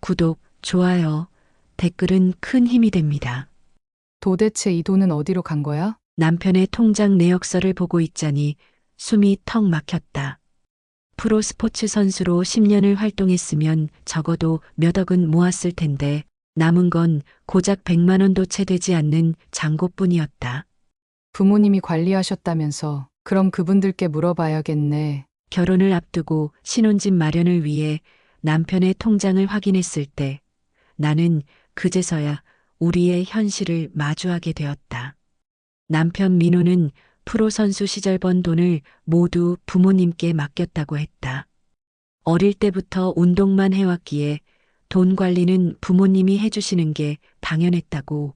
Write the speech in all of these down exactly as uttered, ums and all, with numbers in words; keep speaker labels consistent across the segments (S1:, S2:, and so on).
S1: 구독, 좋아요, 댓글은 큰 힘이 됩니다.
S2: 도대체 이 돈은 어디로 간 거야?
S1: 남편의 통장 내역서를 보고 있자니 숨이 턱 막혔다. 프로 스포츠 선수로 십 년을 활동했으면 적어도 몇 억은 모았을 텐데 남은 건 고작 백만 원도 채 되지 않는 잔고뿐이었다.
S2: 부모님이 관리하셨다면서. 그럼 그분들께 물어봐야겠네.
S1: 결혼을 앞두고 신혼집 마련을 위해 남편의 통장을 확인했을 때 나는 그제서야 우리의 현실을 마주하게 되었다. 남편 민호는 프로 선수 시절 번 돈을 모두 부모님께 맡겼다고 했다. 어릴 때부터 운동만 해왔기에 돈 관리는 부모님이 해주시는 게 당연했다고.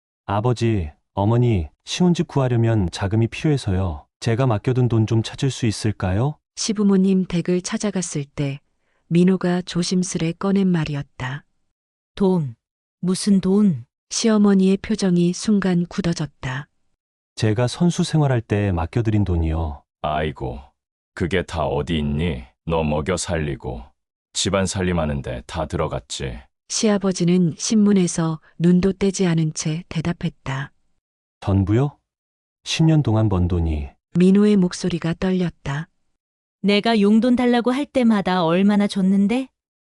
S3: 아버지, 어머니, 신혼집 구하려면 자금이 필요해서요. 제가 맡겨둔 돈 좀 찾을 수 있을까요?
S1: 시부모님 댁을 찾아갔을 때 민호가 조심스레 꺼낸 말이었다.
S4: 돈. 무슨 돈?
S1: 시어머니의 표정이 순간 굳어졌다.
S3: 제가 선수 생활할 때 맡겨드린 돈이요.
S5: 아이고, 그게 다 어디 있니? 너 먹여 살리고 집안 살림하는데 다 들어갔지.
S1: 시아버지는 신문에서 눈도 떼지 않은 채 대답했다.
S3: 전부요? 십 년 동안 번 돈이.
S1: 민호의 목소리가 떨렸다.
S4: 내가 용돈 달라고 할 때마다 얼마나 줬는데?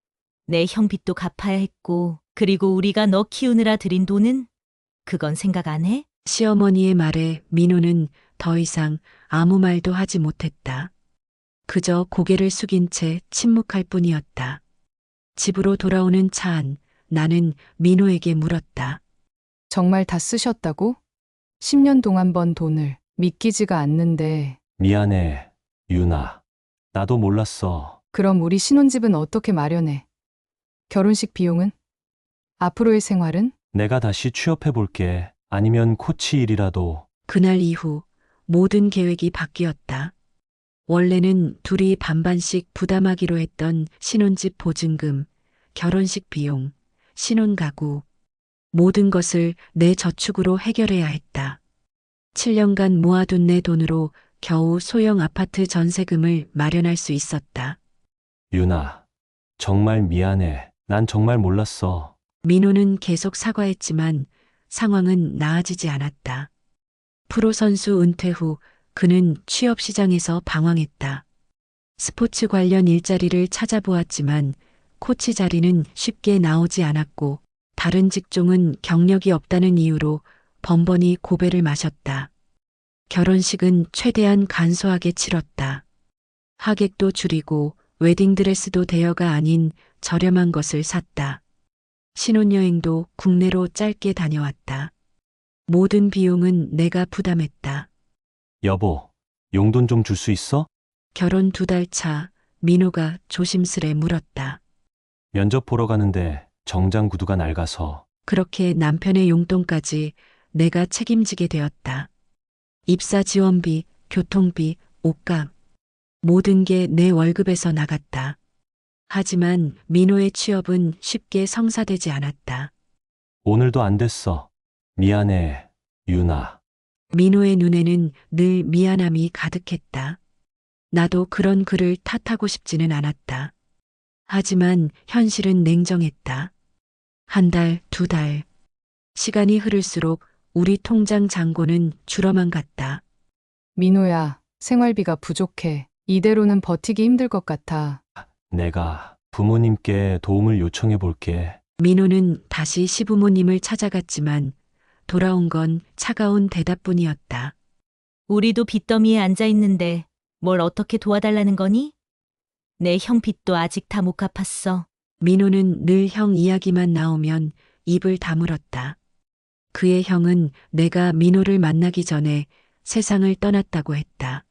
S4: 내 형 빚도 갚아야 했고, 그리고 우리가 너 키우느라 들인 돈은? 그건 생각 안 해?
S1: 시어머니의 말에 민호는 더 이상 아무 말도 하지 못했다. 그저 고개를 숙인 채 침묵할 뿐이었다. 집으로 돌아오는 차 안, 나는 민호에게 물었다.
S2: 정말 다 쓰셨다고? 십 년 동안 번 돈을 믿기지가 않는데.
S3: 미안해, 유나. 나도 몰랐어.
S2: 그럼 우리 신혼집은 어떻게 마련해? 결혼식 비용은? 앞으로의 생활은?
S3: 내가 다시 취업해 볼게. 아니면 코치 일이라도.
S1: 그날 이후 모든 계획이 바뀌었다. 원래는 둘이 반반씩 부담하기로 했던 신혼집 보증금, 결혼식 비용, 신혼가구, 모든 것을 내 저축으로 해결해야 했다. 칠 년간 모아둔 내 돈으로 겨우 소형 아파트 전세금을 마련할 수 있었다.
S3: 유나, 정말 미안해. 난 정말 몰랐어.
S1: 민호는 계속 사과했지만 상황은 나아지지 않았다. 프로 선수 은퇴 후 그는 취업 시장에서 방황했다. 스포츠 관련 일자리를 찾아보았지만 코치 자리는 쉽게 나오지 않았고 다른 직종은 경력이 없다는 이유로 번번이 고배를 마셨다. 결혼식은 최대한 간소하게 치렀다. 하객도 줄이고 웨딩드레스도 대여가 아닌 저렴한 것을 샀다. 신혼여행도 국내로 짧게 다녀왔다. 모든 비용은 내가 부담했다.
S3: 여보, 용돈 좀 줄 수 있어?
S1: 결혼 두 달 차 민호가 조심스레 물었다.
S3: 면접 보러 가는데 정장 구두가 낡아서.
S1: 그렇게 남편의 용돈까지 내가 책임지게 되었다. 입사 지원비, 교통비, 옷값, 모든 게 내 월급에서 나갔다. 하지만 민호의 취업은 쉽게 성사되지 않았다.
S3: 오늘도 안 됐어. 미안해, 유나.
S1: 민호의 눈에는 늘 미안함이 가득했다. 나도 그런 그를 탓하고 싶지는 않았다. 하지만 현실은 냉정했다. 한 달, 두 달. 시간이 흐를수록 우리 통장 잔고는 줄어만 갔다.
S2: 민호야, 생활비가 부족해. 이대로는 버티기 힘들 것 같아.
S3: 내가 부모님께 도움을 요청해 볼게.
S1: 민호는 다시 시부모님을 찾아갔지만 돌아온 건 차가운 대답뿐이었다.
S4: 우리도 빚더미에 앉아 있는데 뭘 어떻게 도와달라는 거니? 내 형 빚도 아직 다 못 갚았어.
S1: 민호는 늘 형 이야기만 나오면 입을 다물었다. 그의 형은 내가 민호를 만나기 전에 세상을 떠났다고 했다.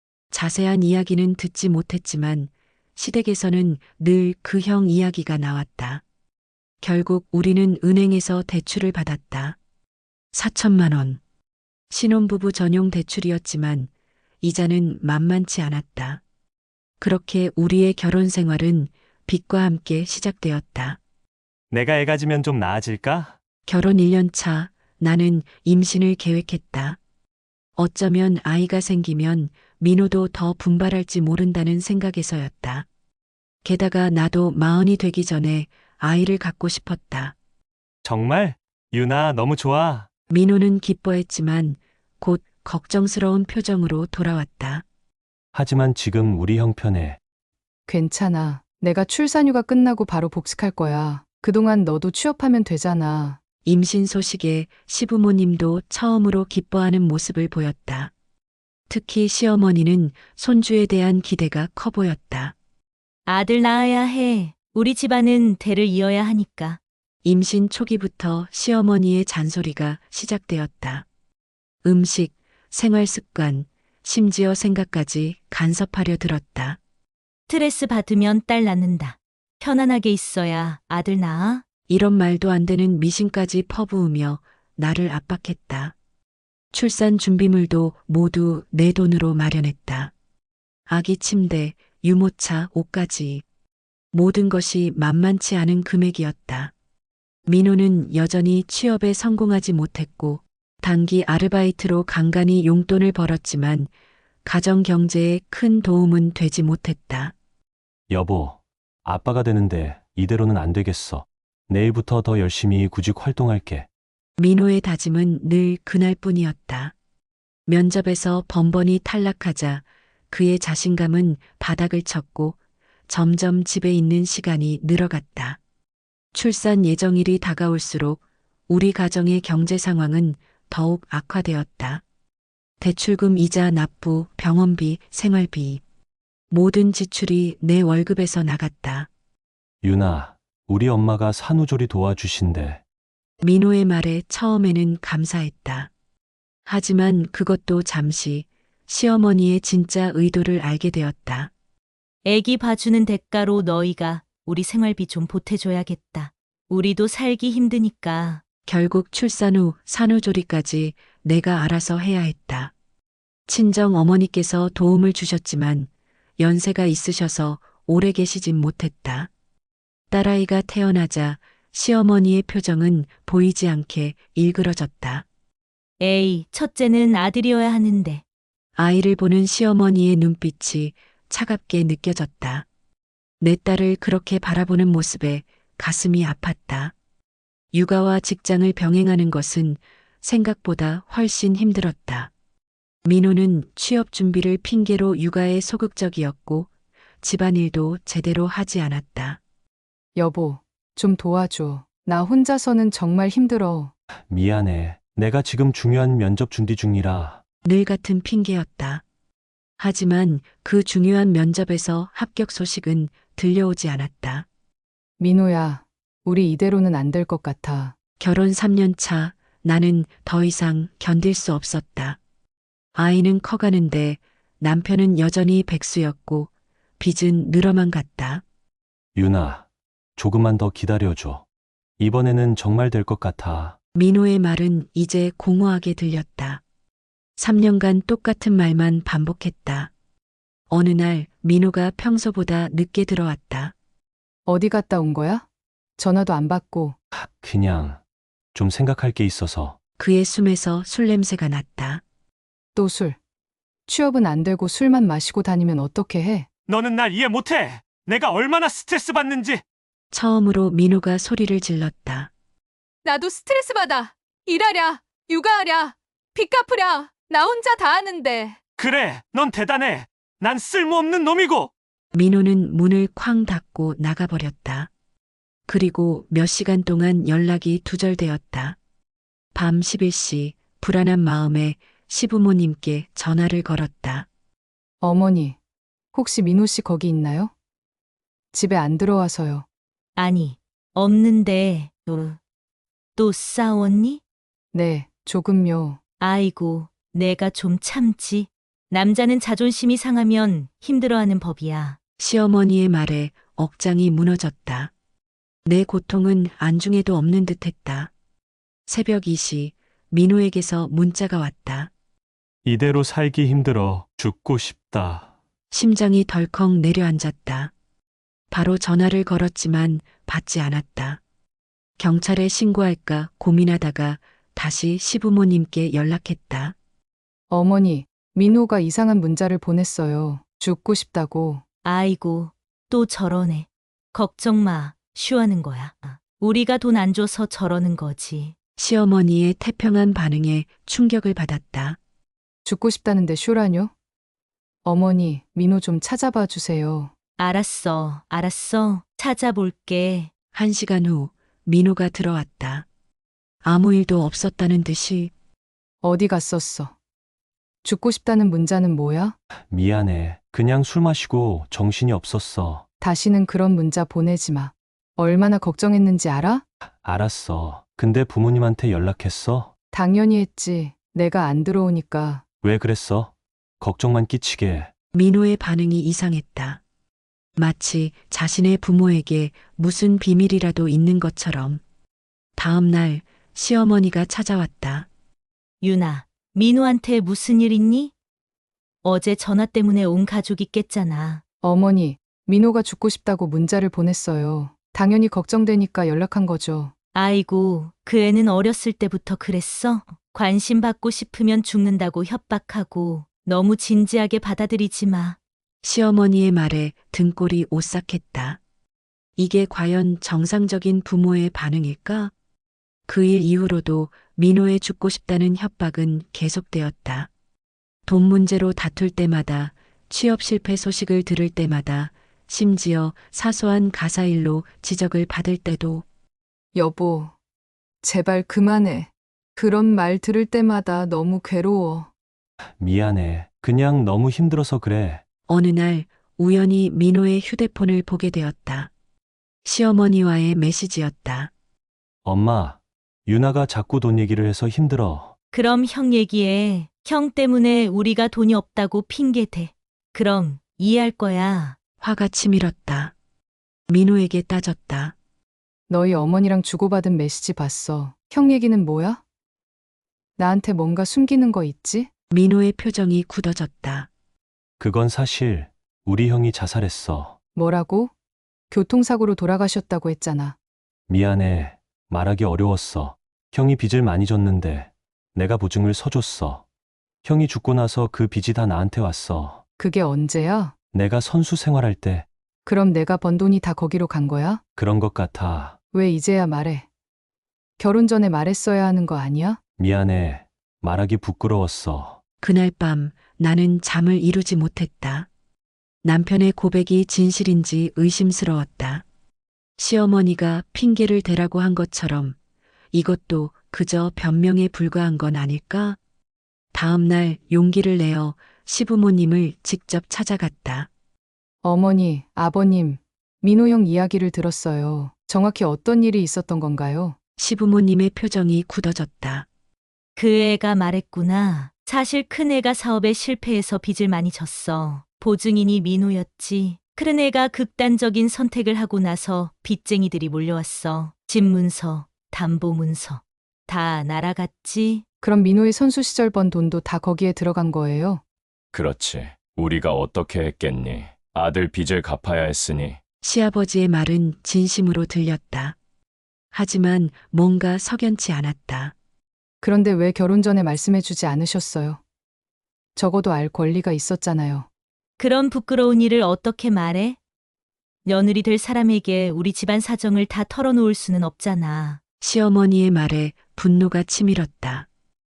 S1: 자세한 이야기는 듣지 못했지만 시댁에서는 늘 그 형 이야기가 나왔다. 결국 우리는 은행에서 대출을 받았다. 사천만 원. 신혼부부 전용 대출이었지만 이자는 만만치 않았다. 그렇게 우리의 결혼 생활은 빚과 함께 시작되었다.
S3: 내가 애 가지면 좀 나아질까?
S1: 결혼 일 년 차 나는 임신을 계획했다. 어쩌면 아이가 생기면 민호도 더 분발할지 모른다는 생각에서였다. 게다가 나도 마흔이 되기 전에 아이를 갖고 싶었다.
S3: 정말? 유나, 너무 좋아.
S1: 민호는 기뻐했지만 곧 걱정스러운 표정으로 돌아왔다.
S3: 하지만 지금 우리 형편에
S2: 괜찮아. 내가 출산휴가 끝나고 바로 복직할 거야. 그동안 너도 취업하면 되잖아.
S1: 임신 소식에 시부모님도 처음으로 기뻐하는 모습을 보였다. 특히 시어머니는 손주에 대한 기대가 커 보였다.
S4: 아들 낳아야 해. 우리 집안은 대를 이어야 하니까.
S1: 임신 초기부터 시어머니의 잔소리가 시작되었다. 음식, 생활 습관, 심지어 생각까지 간섭하려 들었다.
S4: 스트레스 받으면 딸 낳는다. 편안하게 있어야 아들 낳아.
S1: 이런 말도 안 되는 미신까지 퍼부으며 나를 압박했다. 출산 준비물도 모두 내 돈으로 마련했다. 아기 침대, 유모차, 옷까지. 모든 것이 만만치 않은 금액이었다. 민호는 여전히 취업에 성공하지 못했고 단기 아르바이트로 간간히 용돈을 벌었지만 가정 경제에 큰 도움은 되지 못했다.
S3: 여보, 아빠가 되는데 이대로는 안 되겠어. 내일부터 더 열심히 구직 활동할게.
S1: 민호의 다짐은 늘 그날뿐이었다. 면접에서 번번이 탈락하자 그의 자신감은 바닥을 쳤고 점점 집에 있는 시간이 늘어갔다. 출산 예정일이 다가올수록 우리 가정의 경제 상황은 더욱 악화되었다. 대출금 이자 납부, 병원비, 생활비. 모든 지출이 내 월급에서 나갔다.
S3: 유나, 우리 엄마가 산후조리 도와주신대.
S1: 민호의 말에 처음에는 감사했다. 하지만 그것도 잠시 시어머니의 진짜 의도를 알게 되었다.
S4: 애기 봐주는 대가로 너희가 우리 생활비 좀 보태줘야겠다. 우리도 살기 힘드니까.
S1: 결국 출산 후 산후조리까지 내가 알아서 해야 했다. 친정 어머니께서 도움을 주셨지만 연세가 있으셔서 오래 계시진 못했다. 딸아이가 태어나자 시어머니의 표정은 보이지 않게 일그러졌다.
S4: 에이, 첫째는 아들이어야 하는데.
S1: 아이를 보는 시어머니의 눈빛이 차갑게 느껴졌다. 내 딸을 그렇게 바라보는 모습에 가슴이 아팠다. 육아와 직장을 병행하는 것은 생각보다 훨씬 힘들었다. 민호는 취업 준비를 핑계로 육아에 소극적이었고 집안일도 제대로 하지 않았다.
S2: 여보, 좀 도와줘. 나 혼자서는 정말 힘들어.
S3: 미안해. 내가 지금 중요한 면접 준비 중이라.
S1: 늘 같은 핑계였다. 하지만 그 중요한 면접에서 합격 소식은 들려오지 않았다.
S2: 민호야, 우리 이대로는 안 될 것 같아.
S1: 결혼 삼 년 차 나는 더 이상 견딜 수 없었다. 아이는 커가는데 남편은 여전히 백수였고 빚은 늘어만 갔다.
S3: 유나, 조금만 더 기다려줘. 이번에는 정말 될 것 같아.
S1: 민호의 말은 이제 공허하게 들렸다. 삼 년간 똑같은 말만 반복했다. 어느 날 민호가 평소보다 늦게 들어왔다.
S2: 어디 갔다 온 거야? 전화도 안 받고.
S3: 그냥 좀 생각할 게 있어서.
S1: 그의 숨에서 술 냄새가 났다.
S2: 또 술. 취업은 안 되고 술만 마시고 다니면 어떻게 해?
S3: 너는 날 이해 못해. 내가 얼마나 스트레스 받는지.
S1: 처음으로 민호가 소리를 질렀다.
S6: 나도 스트레스 받아. 일하랴, 육아하랴, 빚 갚으랴. 나 혼자 다 하는데.
S3: 그래, 넌 대단해. 난 쓸모없는 놈이고.
S1: 민호는 문을 쾅 닫고 나가버렸다. 그리고 몇 시간 동안 연락이 두절되었다. 밤 십일 시 불안한 마음에 시부모님께 전화를 걸었다.
S2: 어머니, 혹시 민호 씨 거기 있나요? 집에 안 들어와서요.
S4: 아니, 없는데, 또, 또 싸웠니?
S2: 네, 조금요.
S4: 아이고, 내가 좀 참지. 남자는 자존심이 상하면 힘들어하는 법이야.
S1: 시어머니의 말에 억장이 무너졌다. 내 고통은 안중에도 없는 듯했다. 새벽 이 시 민호에게서 문자가 왔다.
S3: 이대로 살기 힘들어. 죽고 싶다.
S1: 심장이 덜컥 내려앉았다. 바로 전화를 걸었지만 받지 않았다. 경찰에 신고할까 고민하다가 다시 시부모님께 연락했다.
S2: 어머니, 민호가 이상한 문자를 보냈어요. 죽고 싶다고.
S4: 아이고, 또 저러네. 걱정 마. 쉬하는 거야. 우리가 돈 안 줘서 저러는 거지.
S1: 시어머니의 태평한 반응에 충격을 받았다.
S2: 죽고 싶다는데 쇼라뇨? 어머니, 민호 좀 찾아봐 주세요.
S4: 알았어, 알았어. 찾아볼게.
S1: 한 시간 후 민호가 들어왔다. 아무 일도 없었다는 듯이
S2: 어디 갔었어? 죽고 싶다는 문자는 뭐야?
S3: 미안해. 그냥 술 마시고 정신이 없었어.
S2: 다시는 그런 문자 보내지 마. 얼마나 걱정했는지 알아?
S3: 알았어. 근데 부모님한테 연락했어?
S2: 당연히 했지. 내가 안 들어오니까.
S3: 왜 그랬어? 걱정만 끼치게.
S1: 민호의 반응이 이상했다. 마치 자신의 부모에게 무슨 비밀이라도 있는 것처럼. 다음 날 시어머니가 찾아왔다.
S4: 유나, 민호한테 무슨 일 있니? 어제 전화 때문에 온 가족이 깼잖아.
S2: 어머니, 민호가 죽고 싶다고 문자를 보냈어요. 당연히 걱정되니까 연락한 거죠.
S4: 아이고, 그 애는 어렸을 때부터 그랬어? 관심 받고 싶으면 죽는다고 협박하고 너무 진지하게 받아들이지 마.
S1: 시어머니의 말에 등골이 오싹했다. 이게 과연 정상적인 부모의 반응일까? 그 일 이후로도 민호의 죽고 싶다는 협박은 계속되었다. 돈 문제로 다툴 때마다, 취업 실패 소식을 들을 때마다, 심지어 사소한 가사일로 지적을 받을 때도
S2: 여보, 제발 그만해. 그런 말 들을 때마다 너무 괴로워.
S3: 미안해. 그냥 너무 힘들어서 그래.
S1: 어느 날 우연히 민호의 휴대폰을 보게 되었다. 시어머니와의 메시지였다.
S3: 엄마, 유나가 자꾸 돈 얘기를 해서 힘들어.
S4: 그럼 형 얘기해. 형 때문에 우리가 돈이 없다고 핑계대. 그럼 이해할 거야.
S1: 화가 치밀었다. 민호에게 따졌다.
S2: 너희 어머니랑 주고받은 메시지 봤어. 형 얘기는 뭐야? 나한테 뭔가 숨기는 거 있지?
S1: 민호의 표정이 굳어졌다.
S3: 그건 사실 우리 형이 자살했어.
S2: 뭐라고? 교통사고로 돌아가셨다고 했잖아.
S3: 미안해. 말하기 어려웠어. 형이 빚을 많이 졌는데 내가 보증을 서줬어. 형이 죽고 나서 그 빚이 다 나한테 왔어.
S2: 그게 언제야?
S3: 내가 선수 생활할 때
S2: 그럼 내가 번 돈이 다 거기로 간 거야?
S3: 그런 것 같아.
S2: 왜 이제야 말해? 결혼 전에 말했어야 하는 거 아니야?
S3: 미안해. 말하기 부끄러웠어.
S1: 그날 밤 나는 잠을 이루지 못했다. 남편의 고백이 진실인지 의심스러웠다. 시어머니가 핑계를 대라고 한 것처럼 이것도 그저 변명에 불과한 건 아닐까? 다음 날 용기를 내어 시부모님을 직접 찾아갔다.
S2: 어머니, 아버님, 민호 형 이야기를 들었어요. 정확히 어떤 일이 있었던 건가요?
S1: 시부모님의 표정이 굳어졌다.
S4: 그 애가 말했구나. 사실 큰애가 사업에 실패해서 빚을 많이 졌어. 보증인이 민호였지. 큰애가 극단적인 선택을 하고 나서 빚쟁이들이 몰려왔어. 집 문서, 담보 문서. 다 날아갔지.
S2: 그럼 민호의 선수 시절 번 돈도 다 거기에 들어간 거예요?
S5: 그렇지. 우리가 어떻게 했겠니? 아들 빚을 갚아야 했으니.
S1: 시아버지의 말은 진심으로 들렸다. 하지만 뭔가 석연치 않았다.
S2: 그런데 왜 결혼 전에 말씀해 주지 않으셨어요? 적어도 알 권리가 있었잖아요.
S4: 그런 부끄러운 일을 어떻게 말해? 며느리 될 사람에게 우리 집안 사정을 다 털어놓을 수는 없잖아.
S1: 시어머니의 말에 분노가 치밀었다.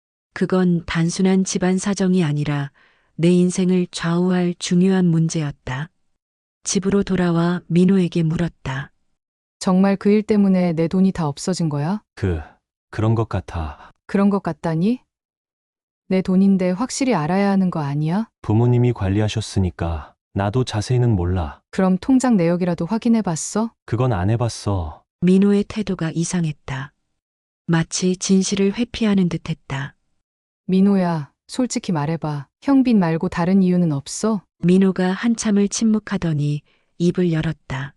S1: 그건 단순한 집안 사정이 아니라 내 인생을 좌우할 중요한 문제였다. 집으로 돌아와 민호에게 물었다.
S2: 정말 그 일 때문에 내 돈이 다 없어진 거야?
S3: 그, 그런 것 같아.
S2: 그런 것 같다니? 내 돈인데 확실히 알아야 하는 거 아니야?
S3: 부모님이 관리하셨으니까 나도 자세히는 몰라.
S2: 그럼 통장 내역이라도 확인해 봤어?
S3: 그건 안 해봤어.
S1: 민호의 태도가 이상했다. 마치 진실을 회피하는 듯했다.
S2: 민호야, 솔직히 말해봐. 형 빚 말고 다른 이유는 없어?
S1: 민호가 한참을 침묵하더니 입을 열었다.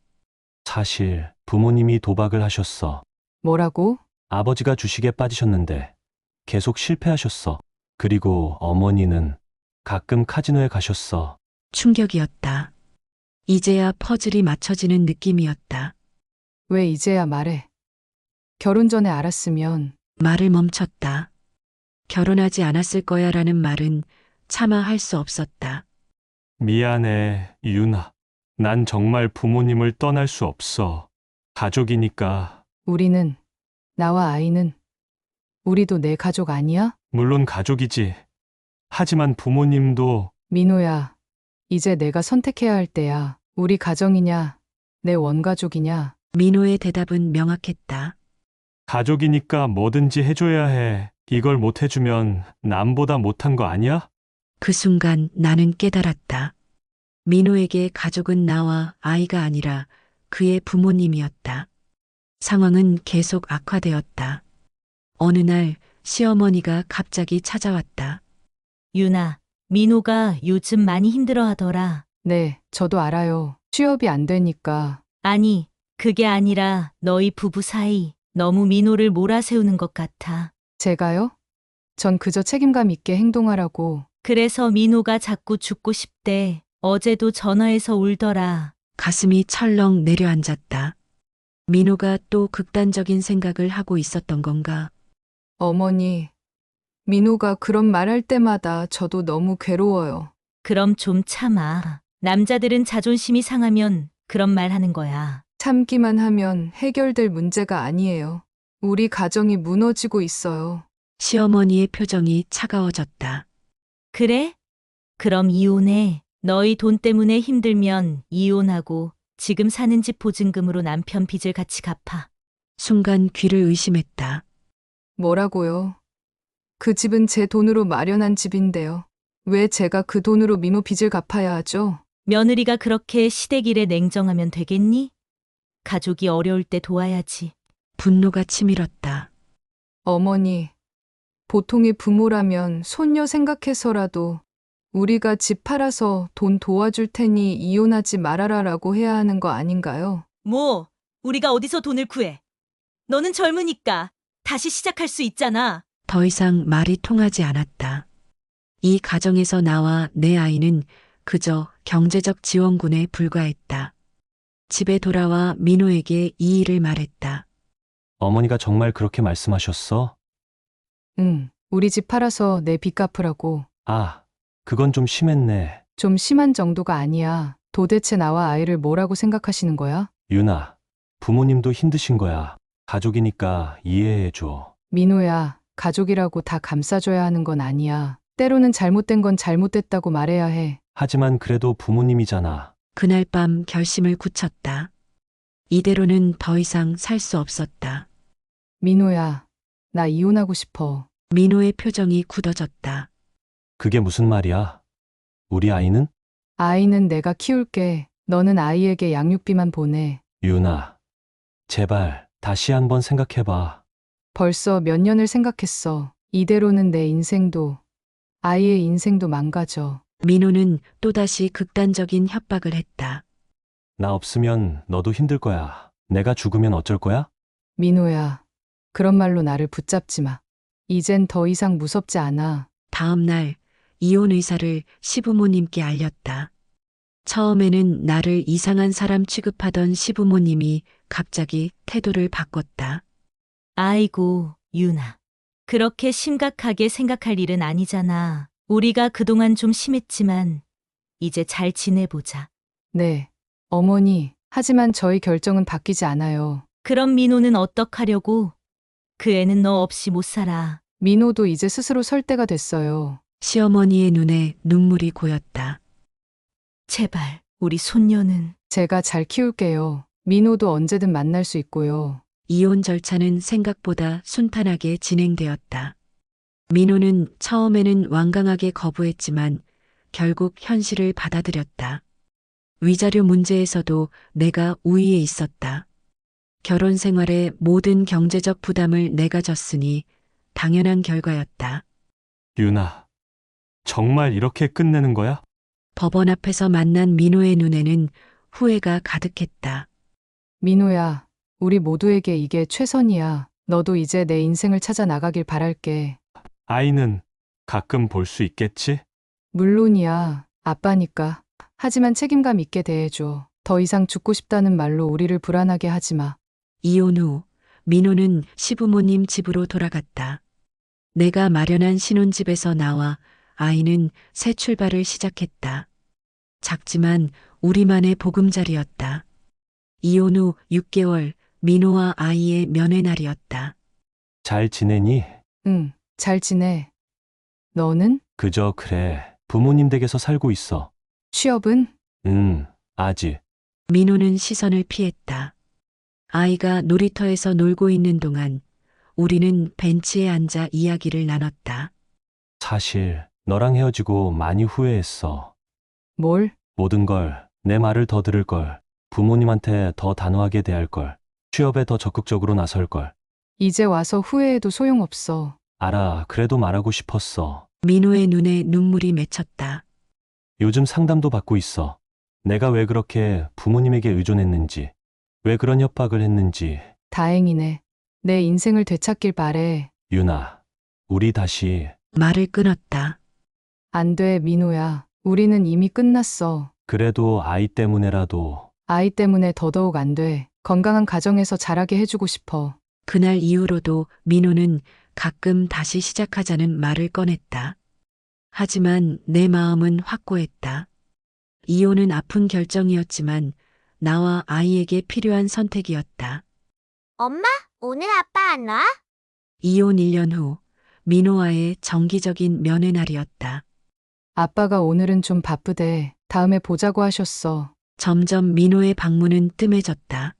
S3: 사실 부모님이 도박을 하셨어.
S2: 뭐라고?
S3: 아버지가 주식에 빠지셨는데 계속 실패하셨어. 그리고 어머니는 가끔 카지노에 가셨어.
S1: 충격이었다. 이제야 퍼즐이 맞춰지는 느낌이었다.
S2: 왜 이제야 말해? 결혼 전에 알았으면
S1: 말을 멈췄다. 결혼하지 않았을 거야 라는 말은 차마 할 수 없었다.
S3: 미안해, 유나. 난 정말 부모님을 떠날 수 없어. 가족이니까.
S2: 우리는, 나와 아이는, 우리도 내 가족 아니야?
S3: 물론 가족이지. 하지만 부모님도.
S2: 민호야, 이제 내가 선택해야 할 때야. 우리 가정이냐, 내 원가족이냐.
S1: 민호의 대답은 명확했다.
S3: 가족이니까 뭐든지 해줘야 해. 이걸 못 해주면 남보다 못한 거 아니야?
S1: 그 순간 나는 깨달았다. 민호에게 가족은 나와 아이가 아니라 그의 부모님이었다. 상황은 계속 악화되었다. 어느 날 시어머니가 갑자기 찾아왔다.
S4: 유나, 민호가 요즘 많이 힘들어 하더라.
S2: 네, 저도 알아요. 취업이 안 되니까.
S4: 아니, 그게 아니라 너희 부부 사이 너무 민호를 몰아세우는 것 같아.
S2: 제가요? 전 그저 책임감 있게 행동하라고.
S4: 그래서 민호가 자꾸 죽고 싶대. 어제도 전화해서 울더라.
S1: 가슴이 철렁 내려앉았다. 민호가 또 극단적인 생각을 하고 있었던 건가?
S2: 어머니, 민호가 그런 말 할 때마다 저도 너무 괴로워요.
S4: 그럼 좀 참아. 남자들은 자존심이 상하면 그런 말 하는 거야.
S2: 참기만 하면 해결될 문제가 아니에요. 우리 가정이 무너지고 있어요.
S1: 시어머니의 표정이 차가워졌다.
S4: 그래? 그럼 이혼해. 너희 돈 때문에 힘들면 이혼하고 지금 사는 집 보증금으로 남편 빚을 같이 갚아.
S1: 순간 귀를 의심했다.
S2: 뭐라고요? 그 집은 제 돈으로 마련한 집인데요. 왜 제가 그 돈으로 민호 빚을 갚아야 하죠?
S4: 며느리가 그렇게 시댁일에 냉정하면 되겠니? 가족이 어려울 때 도와야지.
S1: 분노가 치밀었다.
S2: 어머니, 보통의 부모라면 손녀 생각해서라도 우리가 집 팔아서 돈 도와줄 테니 이혼하지 말아라라고 해야 하는 거 아닌가요?
S4: 뭐, 우리가 어디서 돈을 구해? 너는 젊으니까 다시 시작할 수 있잖아.
S1: 더 이상 말이 통하지 않았다. 이 가정에서 나와 내 아이는 그저 경제적 지원군에 불과했다. 집에 돌아와 민호에게 이 일을 말했다.
S3: 어머니가 정말 그렇게 말씀하셨어?
S2: 응, 우리 집 팔아서 내 빚 갚으라고.
S3: 아, 그건 좀 심했네.
S2: 좀 심한 정도가 아니야. 도대체 나와 아이를 뭐라고 생각하시는 거야?
S3: 유나, 부모님도 힘드신 거야. 가족이니까 이해해줘.
S2: 민호야, 가족이라고 다 감싸줘야 하는 건 아니야. 때로는 잘못된 건 잘못됐다고 말해야 해.
S3: 하지만 그래도 부모님이잖아.
S1: 그날 밤 결심을 굳혔다. 이대로는 더 이상 살 수 없었다.
S2: 민호야, 나 이혼하고 싶어.
S1: 민호의 표정이 굳어졌다.
S3: 그게 무슨 말이야? 우리 아이는?
S2: 아이는 내가 키울게. 너는 아이에게 양육비만 보내.
S3: 유나, 제발 다시 한번 생각해봐.
S2: 벌써 몇 년을 생각했어. 이대로는 내 인생도, 아이의 인생도 망가져.
S1: 민호는 또다시 극단적인 협박을 했다.
S3: 나 없으면 너도 힘들 거야. 내가 죽으면 어쩔 거야?
S2: 민호야, 그런 말로 나를 붙잡지 마. 이젠 더 이상 무섭지 않아.
S1: 다음 날 이혼 의사를 시부모님께 알렸다. 처음에는 나를 이상한 사람 취급하던 시부모님이 갑자기 태도를 바꿨다.
S4: 아이고, 유나. 그렇게 심각하게 생각할 일은 아니잖아. 우리가 그동안 좀 심했지만 이제 잘 지내보자.
S2: 네, 어머니, 하지만 저희 결정은 바뀌지 않아요.
S4: 그럼 민호는 어떡하려고? 그 애는 너 없이 못 살아.
S2: 민호도 이제 스스로 설 때가 됐어요.
S1: 시어머니의 눈에 눈물이 고였다.
S4: 제발, 우리 손녀는.
S2: 제가 잘 키울게요. 민호도 언제든 만날 수 있고요.
S1: 이혼 절차는 생각보다 순탄하게 진행되었다. 민호는 처음에는 완강하게 거부했지만 결국 현실을 받아들였다. 위자료 문제에서도 내가 우위에 있었다. 결혼 생활의 모든 경제적 부담을 내가 졌으니 당연한 결과였다.
S3: 유나, 정말 이렇게 끝내는 거야?
S1: 법원 앞에서 만난 민호의 눈에는 후회가 가득했다.
S2: 민호야, 우리 모두에게 이게 최선이야. 너도 이제 내 인생을 찾아 나가길 바랄게.
S3: 아이는 가끔 볼 수 있겠지?
S2: 물론이야. 아빠니까. 하지만 책임감 있게 대해줘. 더 이상 죽고 싶다는 말로 우리를 불안하게 하지 마.
S1: 이혼 후 민호는 시부모님 집으로 돌아갔다. 내가 마련한 신혼집에서 나와 아이는 새 출발을 시작했다. 작지만 우리만의 보금자리였다. 이혼 후 육 개월 민호와 아이의 면회날이었다.
S3: 잘 지내니?
S2: 응, 잘 지내. 너는?
S3: 그저 그래. 부모님 댁에서 살고 있어.
S2: 취업은?
S3: 음, 아직.
S1: 민호는 시선을 피했다. 아이가 놀이터에서 놀고 있는 동안 우리는 벤치에 앉아 이야기를 나눴다.
S3: 사실 너랑 헤어지고 많이 후회했어.
S2: 뭘?
S3: 모든 걸, 내 말을 더 들을 걸, 부모님한테 더 단호하게 대할 걸, 취업에 더 적극적으로 나설 걸.
S2: 이제 와서 후회해도 소용없어.
S3: 알아, 그래도 말하고 싶었어.
S1: 민호의 눈에 눈물이 맺혔다.
S3: 요즘 상담도 받고 있어. 내가 왜 그렇게 부모님에게 의존했는지, 왜 그런 협박을 했는지.
S2: 다행이네. 내 인생을 되찾길 바래.
S3: 유나, 우리 다시.
S1: 말을 끊었다.
S2: 안 돼, 민호야. 우리는 이미 끝났어.
S3: 그래도 아이 때문에라도.
S2: 아이 때문에 더더욱 안 돼. 건강한 가정에서 자라게 해주고 싶어.
S1: 그날 이후로도 민호는 가끔 다시 시작하자는 말을 꺼냈다. 하지만 내 마음은 확고했다. 이혼은 아픈 결정이었지만 나와 아이에게 필요한 선택이었다.
S7: 엄마, 오늘 아빠 안 와?
S1: 이혼 일 년 후 민호와의 정기적인 면회날이었다.
S2: 아빠가 오늘은 좀 바쁘대. 다음에 보자고 하셨어.
S1: 점점 민호의 방문은 뜸해졌다.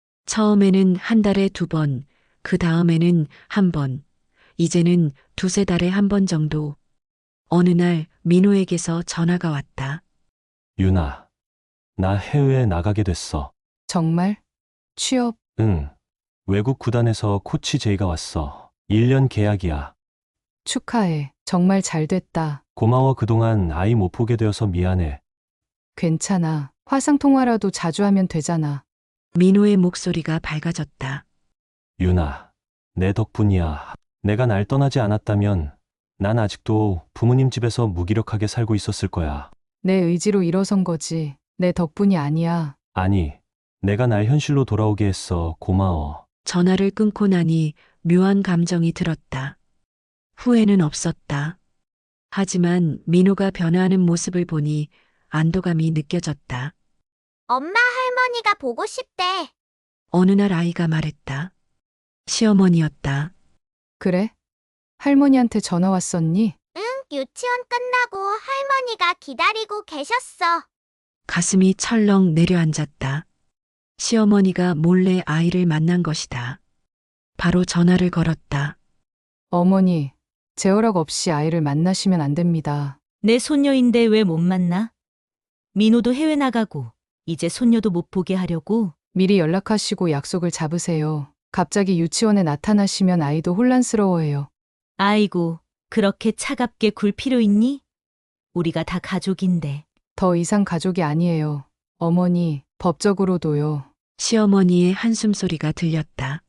S1: 처음에는 한 달에 두 번, 그 다음에는 한 번, 이제는 두세 달에 한 번 정도. 어느 날 민호에게서 전화가 왔다.
S3: 유나, 나 해외에 나가게 됐어.
S2: 정말? 취업?
S3: 응. 외국 구단에서 코치 제의가 왔어. 일 년 계약이야.
S2: 축하해. 정말 잘 됐다.
S3: 고마워. 그동안 아이 못 보게 되어서 미안해.
S2: 괜찮아. 화상통화라도 자주 하면 되잖아.
S1: 민호의 목소리가 밝아졌다.
S3: 유나, 내 덕분이야. 내가 날 떠나지 않았다면 난 아직도 부모님 집에서 무기력하게 살고 있었을 거야.
S2: 내 의지로 일어선 거지. 내 덕분이 아니야.
S3: 아니, 내가 날 현실로 돌아오게 했어. 고마워.
S1: 전화를 끊고 나니 묘한 감정이 들었다. 후회는 없었다. 하지만 민호가 변화하는 모습을 보니 안도감이 느껴졌다.
S7: 엄마 할머니가 보고 싶대.
S1: 어느 날 아이가 말했다. 시어머니였다.
S2: 그래? 할머니한테 전화 왔었니?
S7: 응, 유치원 끝나고 할머니가 기다리고 계셨어.
S1: 가슴이 철렁 내려앉았다. 시어머니가 몰래 아이를 만난 것이다. 바로 전화를 걸었다.
S2: 어머니, 제 허락 없이 아이를 만나시면 안 됩니다.
S4: 내 손녀인데 왜 못 만나? 민호도 해외 나가고 이제 손녀도 못 보게 하려고?
S2: 미리 연락하시고 약속을 잡으세요. 갑자기 유치원에 나타나시면 아이도 혼란스러워해요.
S4: 아이고, 그렇게 차갑게 굴 필요 있니? 우리가 다 가족인데.
S2: 더 이상 가족이 아니에요. 어머니, 법적으로도요.
S1: 시어머니의 한숨 소리가 들렸다.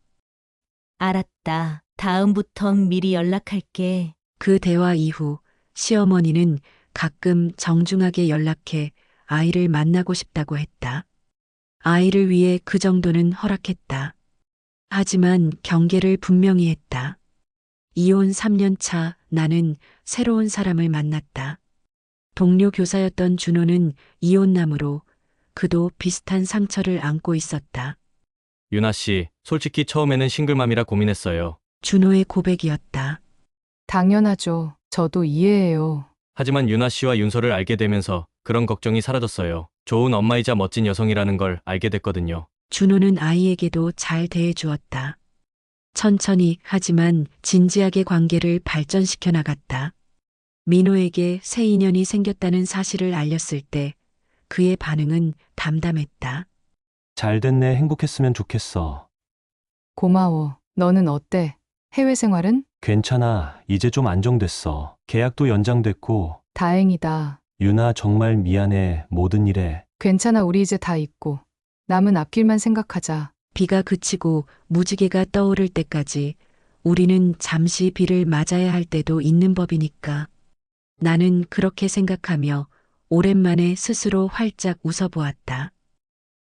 S4: 알았다. 다음부턴 미리 연락할게.
S1: 그 대화 이후 시어머니는 가끔 정중하게 연락해 아이를 만나고 싶다고 했다. 아이를 위해 그 정도는 허락했다. 하지만 경계를 분명히 했다. 이혼 삼 년 차 나는 새로운 사람을 만났다. 동료 교사였던 준호는 이혼남으로 그도 비슷한 상처를 안고 있었다.
S8: 유나 씨, 솔직히 처음에는 싱글맘이라 고민했어요.
S1: 준호의 고백이었다.
S2: 당연하죠. 저도 이해해요.
S8: 하지만 유나 씨와 윤서를 알게 되면서 그런 걱정이 사라졌어요. 좋은 엄마이자 멋진 여성이라는 걸 알게 됐거든요.
S1: 준호는 아이에게도 잘 대해주었다. 천천히 하지만 진지하게 관계를 발전시켜 나갔다. 민호에게 새 인연이 생겼다는 사실을 알렸을 때 그의 반응은 담담했다.
S3: 잘 됐네. 행복했으면 좋겠어.
S2: 고마워. 너는 어때? 해외 생활은?
S3: 괜찮아. 이제 좀 안정됐어. 계약도 연장됐고.
S2: 다행이다.
S3: 유나 정말 미안해. 모든 일에.
S2: 괜찮아. 우리 이제 다 있고. 남은 앞길만 생각하자.
S1: 비가 그치고 무지개가 떠오를 때까지 우리는 잠시 비를 맞아야 할 때도 있는 법이니까. 나는 그렇게 생각하며 오랜만에 스스로 활짝 웃어보았다.